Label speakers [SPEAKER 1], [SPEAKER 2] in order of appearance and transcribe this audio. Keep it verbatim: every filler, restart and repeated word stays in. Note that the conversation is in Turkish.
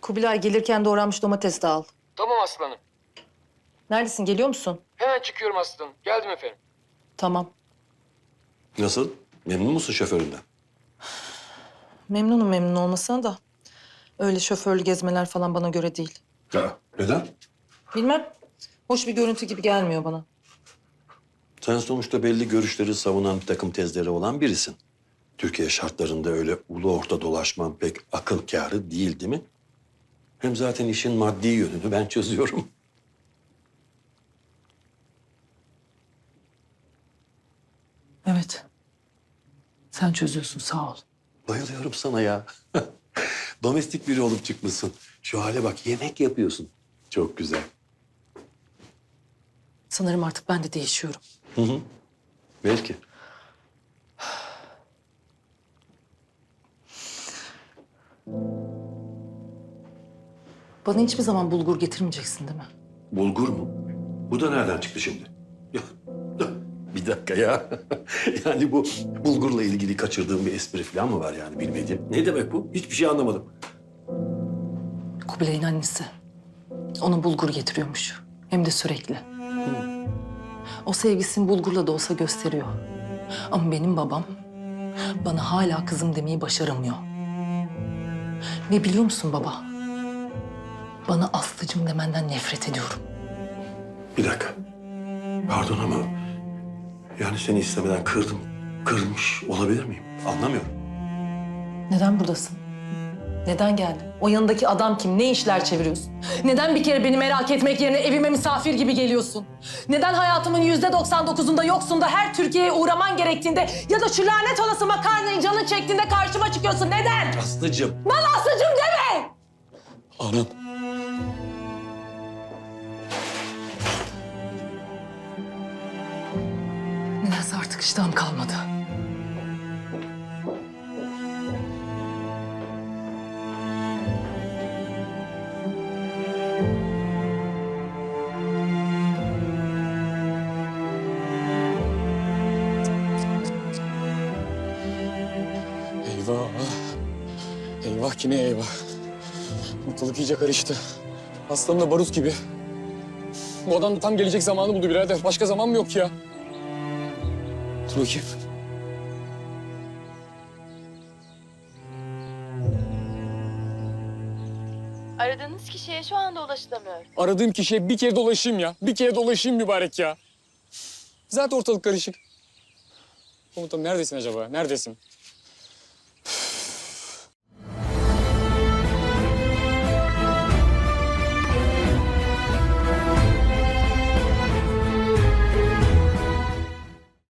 [SPEAKER 1] Kubilay gelirken doğranmış domates de al.
[SPEAKER 2] Tamam aslanım.
[SPEAKER 1] Neredesin? Geliyor musun?
[SPEAKER 2] Hemen çıkıyorum aslanım. Geldim efendim.
[SPEAKER 1] Tamam.
[SPEAKER 3] Nasıl? Memnun musun şoföründen?
[SPEAKER 1] Memnunum memnun olmasına da. Öyle şoförlü gezmeler falan bana göre değil.
[SPEAKER 3] Ha, neden?
[SPEAKER 1] Bilmem. Hoş bir görüntü gibi gelmiyor bana.
[SPEAKER 3] Sen sonuçta belli görüşleri savunan bir takım tezleri olan birisin. Türkiye şartlarında öyle ulu orta dolaşman pek akıl kârı değil, değil mi? Hem zaten işin maddi yönünü ben çözüyorum.
[SPEAKER 1] Evet. Sen çözüyorsun sağ ol.
[SPEAKER 3] Bayılıyorum sana ya. Domestik biri olup çıkmışsın. Şu hale bak, yemek yapıyorsun. Çok güzel.
[SPEAKER 1] Sanırım artık ben de değişiyorum.
[SPEAKER 3] Hı hı. Belki.
[SPEAKER 1] Bana hiçbir zaman bulgur getirmeyeceksin değil mi?
[SPEAKER 3] Bulgur mu? Bu da nereden çıktı şimdi? Ya, bir dakika ya. Yani bu bulgurla ilgili kaçırdığım bir espri falan mı var yani bilmediğim? Ne demek bu? Hiçbir şey anlamadım.
[SPEAKER 1] Kubilay'ın annesi. Ona bulgur getiriyormuş. Hem de sürekli. O sevgisini bulgurla da olsa gösteriyor. Ama benim babam bana hala kızım demeyi başaramıyor. Ve biliyor musun baba? Bana Aslıcığım demenden nefret ediyorum.
[SPEAKER 3] Bir dakika. Pardon ama yani seni istemeden kırdım. Kırmış olabilir miyim? Anlamıyorum.
[SPEAKER 1] Neden buradasın? Neden geldin? O yanındaki adam kim? Ne işler çeviriyorsun? Neden bir kere beni merak etmek yerine evime misafir gibi geliyorsun? Neden hayatımın yüzde doksan dokuzunda yoksun da her Türkiye'ye uğraman gerektiğinde ya da şu lanet olası makarnayı canın çektiğinde karşıma çıkıyorsun? Neden?
[SPEAKER 3] Aslıcığım.
[SPEAKER 1] Bana Aslıcığım deme!
[SPEAKER 3] Anam.
[SPEAKER 1] Nedense artık iştahım kalmadı.
[SPEAKER 2] Eyvah. Eyvah ki ne eyvah. Ortalık iyice karıştı. Aslanım da barut gibi. Bu adam da tam gelecek zamanı buldu birader. Başka zaman mı yok ya? Dur bakayım.
[SPEAKER 4] Aradığınız kişiye şu anda ulaşılamıyor.
[SPEAKER 2] Aradığım kişiye bir kere dolaşayım ya. Bir kere dolaşayım mübarek ya. Zaten ortalık karışık. Komutanım neredesin acaba? Neredesin?